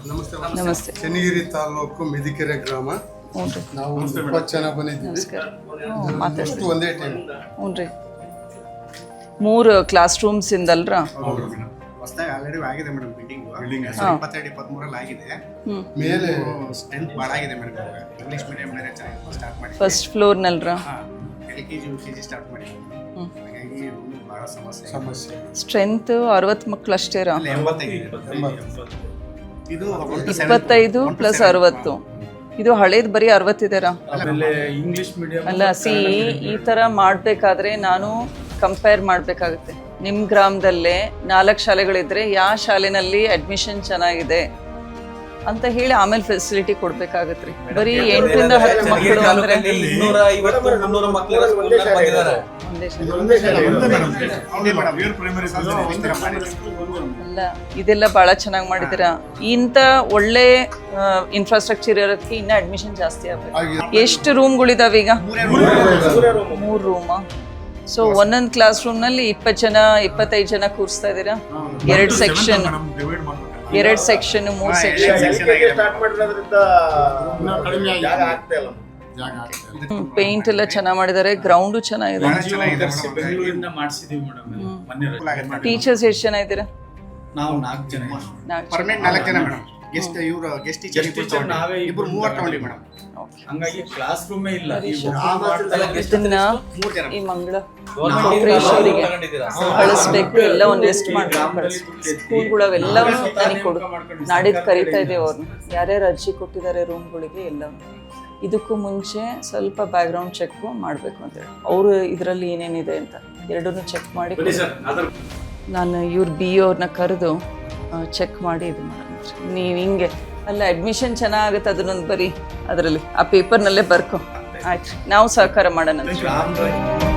ನಮಸ್ತೆ. ಚನ್ನಗಿರಿ ತಾಲೂಕು ಮೆದಿಕೆರೆ ಗ್ರಾಮ. ನಾವು 20 ಜನ ಬಂದಿದ್ದೀವಿ. ಒಂದೇ ಟೈಮ್. ಹ್ಞೂ ರೀ. 3 ಕ್ಲಾಸ್ ರೂಮ್ಸ್ ಇಂದಲ್ರ? ಹೊಸದಾಗಿ ಆಲ್ರೆಡಿ ಆಗಿದೆ ಮೇಡಮ್ ಬಿಲ್ಡಿಂಗ್ 22-23 ಆಗಿದೆ. ಮೇಲೆ ಸ್ಟ್ರೆಂತ್ ಭಾಳ ಆಗಿದೆ ಮೇಡಮ್. ಇಂಗ್ಲಿಷ್ ಮೀಡಿಯಂ ಸ್ಟಾರ್ಟ್ ಮಾಡಿ ಫಸ್ಟ್ ಫ್ಲೋರ್ ನಲ್ರ? LKG UKG ಸ್ಟಾರ್ಟ್ ಮಾಡಿ. ಹಾಗಾಗಿ ಭಾಳ ಸಮಸ್ಯೆ. ಸ್ಟ್ರೆಂತ್ 60 ಮಕ್ಕಳು ಅಷ್ಟೇ ರಾ? 85. ಇದು 25 ಪ್ಲಸ್ 60. ಇದು ಹಳೇದು ಬರೀ 60 ಇದೆರಾ? ಇಂಗ್ಲಿಷ್ ಮೀಡಿಯಂ ಅಲ್ಲ, ಈ ಥರ ಮಾಡಬೇಕಾದ್ರೆ ನಾನು ಕಂಪೇರ್ ಮಾಡಬೇಕಾಗುತ್ತೆ. ನಿಮ್ಮ ಗ್ರಾಮದಲ್ಲೇ 4 ಶಾಲೆಗಳಿದ್ರೆ ಯಾವ ಶಾಲೆನಲ್ಲಿ ಅಡ್ಮಿಷನ್ ಚೆನ್ನಾಗಿದೆ ಅಂತ ಹೇಳಿ ಆಮೇಲೆ ಫೆಸಿಲಿಟಿ ಕೊಡ್ಬೇಕಾಗತ್ತೆ ರೀ. ಬರೀ 8ರಿಂದ 10 ಮಕ್ಕಳು ಅಂದ್ರೆ ಅಲ್ಲ, ಇದೆಲ್ಲ ಬಹಳ ಚೆನ್ನಾಗಿ ಮಾಡಿದಿರಾ. ಇಂಥ ಒಳ್ಳೆ ಇನ್ಫ್ರಾಸ್ಟ್ರಕ್ಚರ್ ಇರೋದಕ್ಕೆ ಇನ್ನ ಅಡ್ಮಿಷನ್ ಜಾಸ್ತಿ ಆಗ್ಬೇಕು. ಎಷ್ಟು ರೂಮ್ಗಳಿದಾವೆ ಈಗ? 3 ರೂಮಾ? ಸೊ ಒಂದೊಂದು ಕ್ಲಾಸ್ ರೂಮ್ ನಲ್ಲಿ 20 ಜನ 25 ಜನ ಕೂರಿಸ್ತಾ ಇದ್ದೀರಾ? 2 ಸೆಕ್ಷನ್, 3 ಸೆಕ್ಷನ್. ಪೇಂಟ್ ಎಲ್ಲ ಚೆನ್ನಾಗಿ ಮಾಡಿದ್ದಾರೆ. ಗ್ರೌಂಡು ಚೆನ್ನಾಗಿದೆ. ಬೆಂಗಳೂರಿಂದ ಮಾಡಿಸಿದೀವಿ ಮೇಡಮ್. ಟೀಚರ್ಸ್ ಎಷ್ಟು ಜನ ಇದ್ದೀರಾ? ನಾವು 4 ಜನ. ಪರ್ಮನೆಂಟ್ 4 ಜನ ಮೇಡಮ್. ಗೆಸ್ಟ್ ಟೀಚರ್ ನಾವೇ ಇಬ್ರು 3 ತಗೊಂಡಿ ಮೇಡಮ್. ಹಂಗಾಗಿ ಕ್ಲಾಸ್ ರೂಮೇ ಇಲ್ಲ. ಇದನ್ನ ಈ ಮಂಗಳ ಅವರಿಗೆ ಕಳಿಸ್ಬೇಕು. ಎಲ್ಲ ಒಂದು ಲಿಸ್ಟ್ ಮಾಡ್ಕೊಂಡು ಸ್ಕೂಲ್ಗಳು ಅವೆಲ್ಲವೂ ನನಗೆ ಕೊಡು. ನಾಡಿದ್ದು ಕರೀತಾ ಇದ್ದೇವೆ ಅವ್ರನ್ನ, ಯಾರ್ಯಾರು ಅರ್ಜಿ ಕೊಟ್ಟಿದ್ದಾರೆ ರೂಮ್ಗಳಿಗೆ ಎಲ್ಲವೂ. ಇದಕ್ಕೂ ಮುಂಚೆ ಸ್ವಲ್ಪ ಬ್ಯಾಕ್ಗ್ರೌಂಡ್ ಚೆಕ್ ಮಾಡಬೇಕು ಅಂತೇಳಿ ಅವರು ಇದರಲ್ಲಿ ಏನೇನಿದೆ ಅಂತ ಎರಡನ್ನೂ ಚೆಕ್ ಮಾಡಿ ನಾನು ಇವ್ರ BO ಅವ್ರನ್ನ ಕರೆದು ಚೆಕ್ ಮಾಡಿ ಇದು ಮಾಡೋಣ. ನೀವು ಹಿಂಗೆ ಅಲ್ಲ, ಅಡ್ಮಿಷನ್ ಚೆನ್ನಾಗುತ್ತೆ ಅದನ್ನೊಂದು ಬರೀ ಅದರಲ್ಲಿ ಆ ಪೇಪರ್ನಲ್ಲೇ ಬರ್ಕೊ. ಆಯ್ತು, ನಾವು ಸಹಕಾರ ಮಾಡೋಣ.